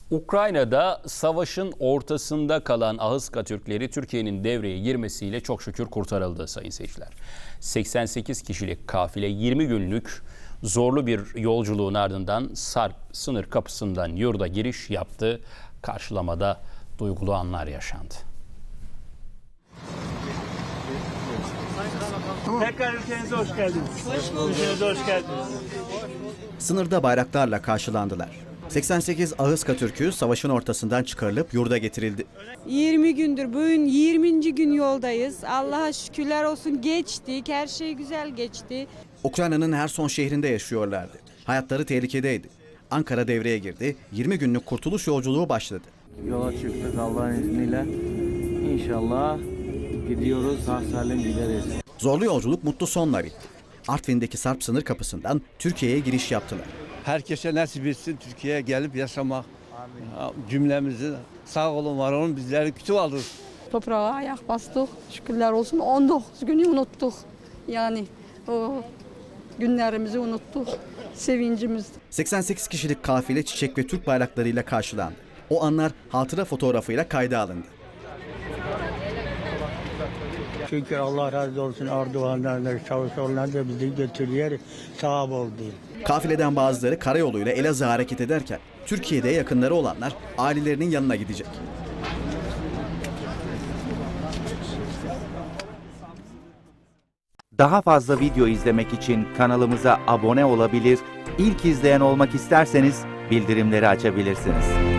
Ukrayna'da savaşın ortasında kalan Ahıska Türkleri Türkiye'nin devreye girmesiyle çok şükür kurtarıldı sayın seyirciler. 88 kişilik kafile 20 günlük zorlu bir yolculuğun ardından Sarp sınır kapısından yurda giriş yaptı. Karşılamada duygulu anlar yaşandı. Tekrar ülkenize hoş geldiniz. Ülkenize hoş geldiniz. Sınırda bayraklarla karşılandılar. 88 Ahıska Türk'ü savaşın ortasından çıkarılıp yurda getirildi. 20 gündür, bugün 20. gün yoldayız. Allah'a şükürler olsun, geçtik. Her şey güzel geçti. Ukrayna'nın Herson şehrinde yaşıyorlardı. Hayatları tehlikedeydi. Ankara devreye girdi. 20 günlük kurtuluş yolculuğu başladı. Yola çıktık Allah'ın izniyle. İnşallah gidiyoruz, sağ salim gideriz. Zorlu yolculuk mutlu sonla bitti. Artvin'deki Sarp sınır kapısından Türkiye'ye giriş yaptılar. Herkese nasip etsin Türkiye'ye gelip yaşamak. Cümlemizi sağ olun var olun bizleri küçük alır. Toprağa ayak bastık. Şükürler olsun 19 günü unuttuk. Yani o günlerimizi unuttuk. Sevincimiz. 88 kişilik kafile çiçek ve Türk bayraklarıyla karşılandı. O anlar hatıra fotoğrafıyla kayda alındı. Şükür Allah razı olsun Erdoğan'dan da Çavuşoğlu'ndan da bizi götürüyor. Sağ oldu. Kafileden bazıları karayoluyla Elazığ'a hareket ederken Türkiye'de yakınları olanlar ailelerinin yanına gidecek. Daha fazla video izlemek için kanalımıza abone olabilir, ilk izleyen olmak isterseniz bildirimleri açabilirsiniz.